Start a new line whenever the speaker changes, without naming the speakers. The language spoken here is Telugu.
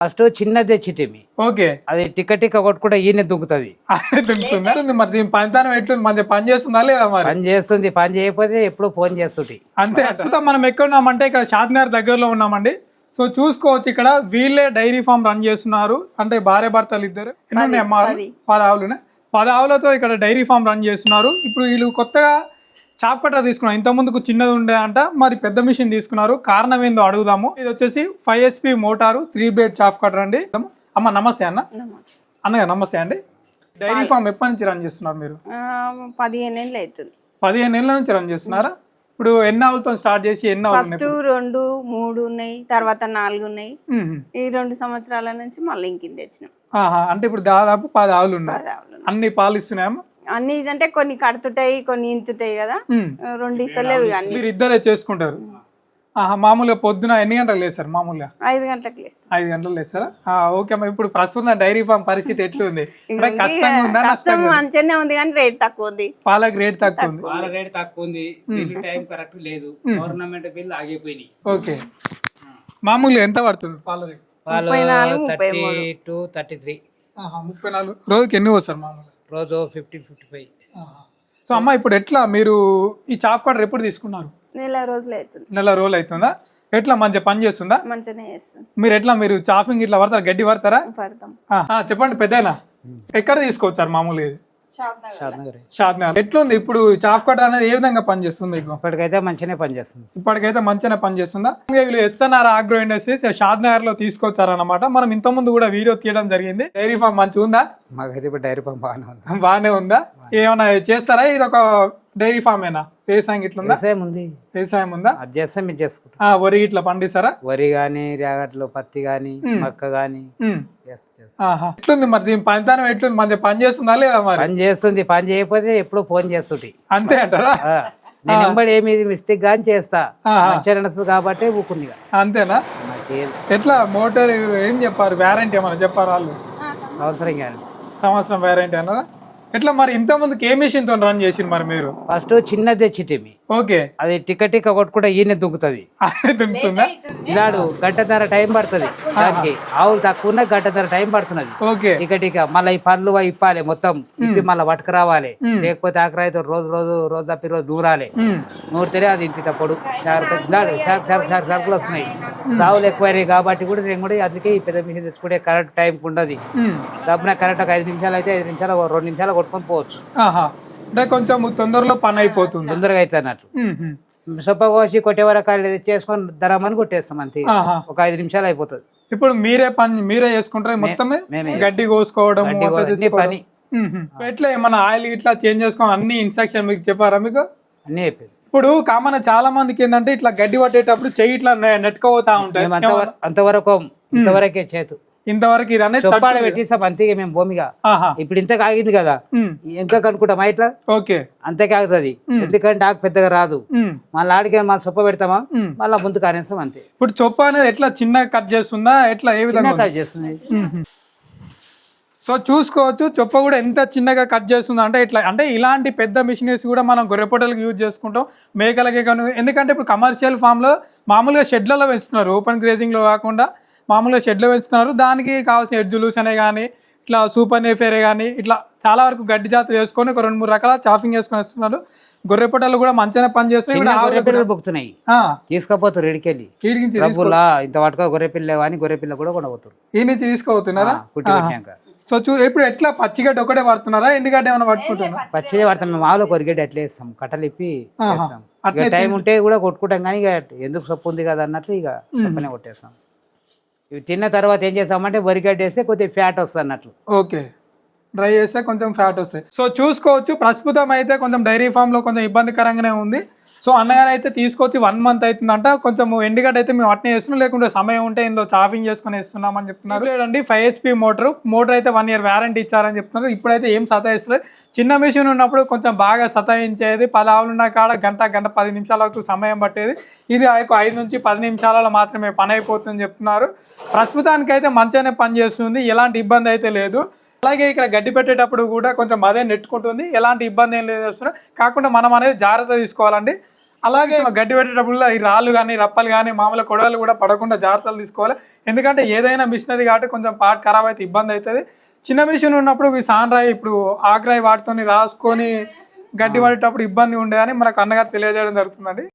ఫస్ట్ చిన్నది తెచ్చిటిమి.
ఓకే.
అది టిక్క కొట్టుకుంటే ఈయన దుంకుతుంది.
దుంకుతుందా? మరి దీని పనితనం ఎట్లుంది? మంచిగా పని చేస్తుందా లేదా? మరి
పని చేస్తుంది. పని చేయకపోతే ఎప్పుడు ఫోన్ చేస్తుంది.
అంతే. ప్రస్తుతం మనం ఎక్కడ ఉన్నామంటే ఇక్కడ షాద్నగర్ దగ్గరలో ఉన్నామండి. సో చూసుకోవచ్చు, ఇక్కడ వీళ్ళే డైరీ ఫామ్ రన్ చేస్తున్నారు. అంటే భార్య భర్తలు ఇద్దరు. ఎన్ని ఉన్నాయి అమ్మా? 10 ఆవులునే. 10 ఆవులతో ఇక్కడ డైరీ ఫామ్ రన్ చేస్తున్నారు. ఇప్పుడు వీళ్ళు కొత్తగా చాప్ కట్టర్ తీసుకున్నారు. ఇంత ముందుకు చిన్నది ఉండే అంట, మరి పెద్ద మిషన్ తీసుకున్నారు. కారణం ఏందో అడుగుదాము. ఇది వచ్చేసి 5 HP motor 3 blade chop cutter అండి. అమ్మ నమస్తే అన్న. అన్నయ్య నమస్తే అండి. డైరీ ఫామ్ ఎప్పటి నుంచి రన్ చేస్తున్నారు మీరు?
15 ఏళ్ళు అవుతుంది.
15 ఏళ్ళ నుంచి రన్ చేస్తున్నారా? ఇప్పుడు ఎన్ని ఆవులతో స్టార్ట్ చేసి ఎన్ని ఆవులు?
ఫస్ట్ 2, 3 ఉన్నాయి, తర్వాత 4 ఉన్నాయి. ఈ 2 సంవత్సరాల నుంచి మళ్ళీ ఇంకింది తెచ్చినాం.
అంటే ఇప్పుడు దాదాపు 10 ఆవులు ఉన్నాయి. అన్ని పాలు ఇస్తున్నాయమ్మా?
అన్ని అంటే కొన్ని కడుతుంటాయి, కొన్ని ఇంతుంటాయి కదా. 2 ఇస్తలేవు.
మీరు ఇద్దరే చేసుకుంటారు? మామూలుగా పొద్దున ఎన్ని గంటలకు లేస్తారు? మామూలుగా
5 గంటలకు లేస్తారు.
5 గంటలకు లేస్తారా? ఓకే అమ్మా. ఇప్పుడు ప్రస్తుతం డైరీ ఫామ్ పరిస్థితి ఎట్లుంది? కష్టంగా ఉందా?
కష్టం మంచిగానే ఉంది కానీ రేట్ తక్కువ ఉంది.
పాలకు రేట్ తక్కువ ఉంది.
పాల రేట్ తక్కువ ఉంది. టైం కరెక్ట్ లేదు. గవర్నమెంట్ బిల్ ఆగిపోయినాయి.
ఓకే. మామూలుగా ఎంత పడుతుంది పాల రేట్?
పాలు 32, 33.
34. రోజుకి ఎన్ని వస్తారు మామూలుగా?
రోజు 50-55.
సో అమ్మ, ఇప్పుడు ఎట్లా మీరు ఈ చాప్ కట్టర్ ఎప్పుడు తీసుకున్నారు?
నెల రోజులు అవుతుంది.
నెల రోజులు అవుతుందా? ఎట్లా మంచిగా పని చేస్తుందా?
మంచిగానే చేస్తుంది.
మీరు ఎట్లా మీరు చాఫింగ్ ఇట్లా పడతారా? గడ్డి పడతారా?
పడతాం.
చెప్పండి పెద్దయినా, ఎక్కడ తీసుకొచ్చారు మామూలుగా? ఇది షాద్నగర్. ఎట్లుంది ఇప్పుడు చాప్ కట్టర్ అనేది? ఏ విధంగా పనిచేస్తుంది మీకు?
ఇప్పటికైతే మంచిగానే పనిచేస్తుంది.
ఇప్పటికైతే మంచిగానే పనిచేస్తుందా? వీళ్ళు SNR ఆగ్రో ఇండస్ట్రీస్ షాద్నగర్ లో తీసుకొచ్చారన్నమాట. మనం ఇంత ముందు కూడా వీడియో తీయడం జరిగింది. డైరీ ఫామ్ మంచిగా ఉందా?
మాకైతే ఇప్పుడు డైరీ ఫామ్
బాగానే ఉందా? ఏమైనా చేస్తారా? ఇది ఒక డైరీ ఫామ్ ఏనా? వ్యవసాయం ఇట్లుందా? వ్యవసాయం ఉందా?
అది చేస్తాం, ఇది చేసుకుంటాం.
వరి ఇట్లా పండిస్తారా?
వరి గాని, రేగట్లు, పత్తి గాని, మక్క గాని.
ఎట్లుంది మరి దీని పనితనం ఎట్లుంది? మంచిగా పని చేస్తుందా లేదా? మరి
పని చేస్తుంది. పని చేయకపోతే ఎప్పుడు ఫోన్ చేస్తుంది.
అంతే అంటారా?
నేను ఎంబడి ఏమి మిస్టేక్ గాని చేస్తా. మంచిగా నడుస్తుంది కాబట్టి ఊకుంది.
అంతేనా? ఎట్లా మోటార్ ఏం చెప్పారు? వ్యారంటీ ఏమన్నా చెప్పారు వాళ్ళు? సంవత్సరం వ్యారంటీ అన్నారా? ఎట్లా మరి ఇంత ముందుకు ఏ మిషన్ తో రన్ చేసి మరి మీరు?
ఫస్ట్ చిన్నది తెచ్చిటిమి.
ఓకే.
అది టిక్క కొట్టుకుంటే ఈయన దుంకుతుంది.
దుంకుతుందా?
ఇలాడు గంటన్నర టైం పడుతుంది దానికి. ఆవులు తక్కువ గంటన్నర టైం పడుతున్నది.
ఓకే.
టిక్క మళ్ళీ ఈ పనులు ఇప్పాలి మొత్తం. ఇప్పి మళ్ళీ పట్టుకు రావాలి. లేకపోతే ఆఖరైతే రోజు తప్పి రోజు నూరాలి. నూరితేనే అది ఇంత పొడు సరుకులు వస్తున్నాయి. ఆవులు ఎక్కువైనాయి కాబట్టి కూడా నేను కూడా అందుకే ఈ పెద్ద మిషన్ తెచ్చుకుంటే కరెక్ట్ టైం ఉండదు. డబ్బున కరెక్ట్ ఒక 5 నిమిషాలు అయితే 5 నిమిషాలు 2 నిమిషాలు కొట్టుకొని పోవచ్చు.
అంటే కొంచెం తొందరలో పని అయిపోతుంది.
తొందరగా అయితే అన్నట్టు. సొప్ప కోసి కొట్టే వరకు చేసుకొని ధరమని కొట్టేస్తాం అంతే. ఒక 5 నిమిషాలు అయిపోతుంది.
ఇప్పుడు మీరే చేసుకుంటారు మొత్తమే? గడ్డి కోసుకోవడం పని ఎట్లా? ఏమన్నా ఆయిల్ ఇట్లా చేంజ్ చేసుకోవడం అన్ని ఇన్స్ట్రక్షన్ మీకు చెప్పారా? మీకు అన్ని అయిపోయింది. ఇప్పుడు కామన్ చాలా మందికి ఏంటంటే ఇట్లా గడ్డి పట్టేటప్పుడు చెయ్యి ఇట్లా నెట్టుకోతా ఉంటాయి.
ఇంతవరకే చేతు ఇంతవరకు ఇది అనేది చొప్పాడ పెట్టిస్తాం అంతే. మేము భూమిగా ఇప్పుడు ఇంత కాగింది కదా, ఎంత కనుక్కుంటామా ఇట్లా? ఓకే, అంతే కాగుతుంది. ఎందుకంటే ఆకు పెద్దగా రాదు. మళ్ళీ ఆడికి మళ్ళీ చొప్ప పెడతామా, మళ్ళీ ముందు కానేస్తాం అంతే. ఇప్పుడు చొప్ప అనేది ఎట్లా చిన్నగా కట్ చేస్తుందా? ఎట్లా ఏ విధంగా కట్ చేస్తుంది? సో చూసుకోవచ్చు, చొప్ప కూడా ఎంత చిన్నగా కట్ చేస్తుందో. అంటే ఇట్లా అంటే ఇలాంటి పెద్ద మిషనరీస్ కూడా మనం గొర్రెపొట్టలకు యూజ్ చేసుకుంటాం, మేకలకే కానీ. ఎందుకంటే ఇప్పుడు కమర్షియల్ ఫామ్లో మామూలుగా షెడ్లలో పెంచుతున్నారు, ఓపెన్ గ్రేజింగ్లో కాకుండా మామూలుగా షెడ్లో పెంచుతున్నారు. దానికి కావాల్సిన ఎడ్జులూస్ అనే కానీ ఇట్లా సూపర్ నేఫేరే కానీ ఇట్లా చాలా వరకు గడ్డి జాతులు వేసుకొని ఒక 2-3 రకాల చాఫింగ్ చేసుకొని వస్తున్నారు. గొర్రెపొట్టలు కూడా మంచిగా పని చేస్తున్నాయి. బొక్కుతున్నాయి, తీసుకపోతారు ఇడికెళ్ళి. ఇంత పట్టుకో గొర్రెపిల్ల కానీ గొర్రెపిల్ల కూడా కొనబోతారు. ఈ నుంచి తీసుకుపోతున్నారా? సో ఇప్పుడు ఎట్లా పచ్చిగడ్డ ఒకటే పడుతున్నారా? ఎండుగడ్డ ఏమైనా పట్టుకుంటున్నారా? పచ్చిదే పడతాం మేము. ఆవులో కొరిగడ్డ ఎట్లా వేస్తాం, కట్టలు ఇప్పి టైం ఉంటే కూడా కొట్టుకుంటాం. కానీ ఇక ఎందుకు సొప్పు ఉంది కదా అన్నట్లు ఇక సొప్పనే కొట్టేస్తాం. ఇవి తిన్న తర్వాత ఏం చేస్తామంటే వరిగడ్డ వేస్తే కొద్దిగా ఫ్యాట్ వస్తుంది అన్నట్లు. ఓకే, డ్రై చేస్తే కొంచెం ఫ్యాట్ వస్తాయి. సో చూసుకోవచ్చు, ప్రస్తుతం అయితే కొంచెం డైరీ ఫామ్లో కొంచెం ఇబ్బందికరంగానే ఉంది. సో అన్నగారు అయితే తీసుకొచ్చి 1 month అవుతుందంట. కొంచెం ఎండుగడ్డ అయితే మేము అట్నే వేస్తున్నాం, లేకుంటే సమయం ఉంటే ఇందులో చాఫింగ్ చేసుకుని వేస్తున్నామని చెప్తున్నారు. లేదండి 5 HP మోటార్ అయితే 1 year వారంటీ ఇచ్చారని చెప్తున్నారు. ఇప్పుడైతే ఏం సతాయిస్తలేదు. చిన్న మిషన్ ఉన్నప్పుడు కొంచెం బాగా సతాయించేది. 10 ఆవులు ఉన్న కాడ గంట 10 నిమిషాల వరకు సమయం పట్టేది. ఇది 5 నుంచి 10 నిమిషాలలో మాత్రమే పని అయిపోతుందని చెప్తున్నారు. ప్రస్తుతానికైతే మంచిగానే పని చేస్తుంది, ఎలాంటి ఇబ్బంది అయితే లేదు. అలాగే ఇక్కడ గడ్డి పెట్టేటప్పుడు కూడా కొంచెం అదే నెట్టుకుంటుంది, ఎలాంటి ఇబ్బంది ఏం లేదు. కాకుండా మనం అనేది జాగ్రత్త తీసుకోవాలండి.
అలాగే గడ్డి పెట్టేటప్పుడు ఈ రాళ్ళు కానీ రప్పలు కానీ మామూలు కొడవలు కూడా పడకుండా జాగ్రత్తలు తీసుకోవాలి. ఎందుకంటే ఏదైనా మిషనరీ కాబట్టి కొంచెం పార్ట్ ఖరాబ్ అయితే ఇబ్బంది అవుతుంది. చిన్న మిషన్ ఉన్నప్పుడు ఈ సాన్రాయి ఇప్పుడు ఆగ్రాయి వాటితో రాసుకొని గడ్డి పడేటప్పుడు ఇబ్బంది ఉండే అని మనకు అన్నగారు తెలియజేయడం జరుగుతుందండి.